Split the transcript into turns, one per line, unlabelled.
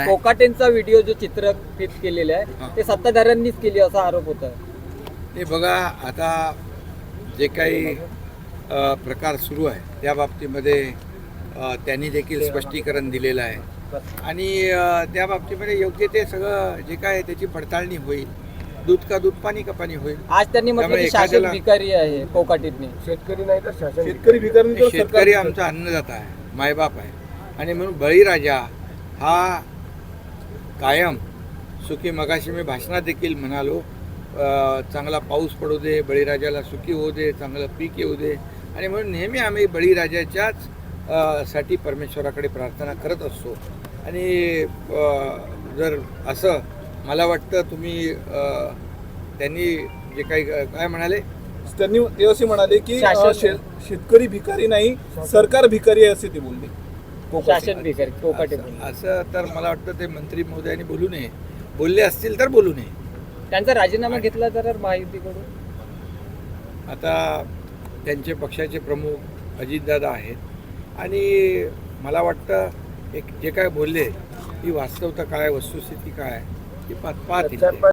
कोकाटेंचा video जो चित्रफित केलेला आहे ते सत्ताधाऱ्यांनीच केली असा आरोप होता.
ते बघा, आता जे काही प्रकार सुरू आहे त्या बाबतीमध्ये त्यांनी देखील स्पष्टीकरण दिलेलं आहे आणि त्या बाबतीमध्ये योग्य ते सगळं जे काय त्याची पडताळणी होईल. दूध का दूध, पाणी का पाणी होईल.
आज त्यांनी म्हटलं की शासन भिकारी आहे कोकाटेंनी.
शेतकरी नाही तर शासन. शेतकरी भिकारी,
शेतकरी आमचा अन्नदाता आहे, मायबाप आहे आणि म्हणून बळीराजा हा कायम सुखी. मगाशी मी भाषणात देखील म्हणालो, चांगला पाऊस पडू दे, बळीराजाला सुखी होऊ दे, चांगलं पीक येऊ दे. आणि म्हणून नेहमी आम्ही बळीराजाच्याच साठी परमेश्वराकडे प्रार्थना करत असतो. आणि जर असं मला वाटतं तुम्ही त्यांनी जे काही काय म्हणाले,
त्यांनी ते असे म्हणाले की शेतकरी भिकारी नाही, सरकार भिकारी आहे असे ते बोलले.
शासन भिकारी कोकाटे.
असं तर मला वाटतं ते मंत्री महोदयांनी बोलू नये. बोलले असतील तर बोलू नये.
त्यांचा राजीनामा घेतला तर महायुतीकडून.
आता त्यांचे पक्षाचे प्रमुख अजितदादा आहेत आणि मला वाटतं एक जे काय बोलले ती वास्तवता काय, वस्तुस्थिती काय ती पाहतील.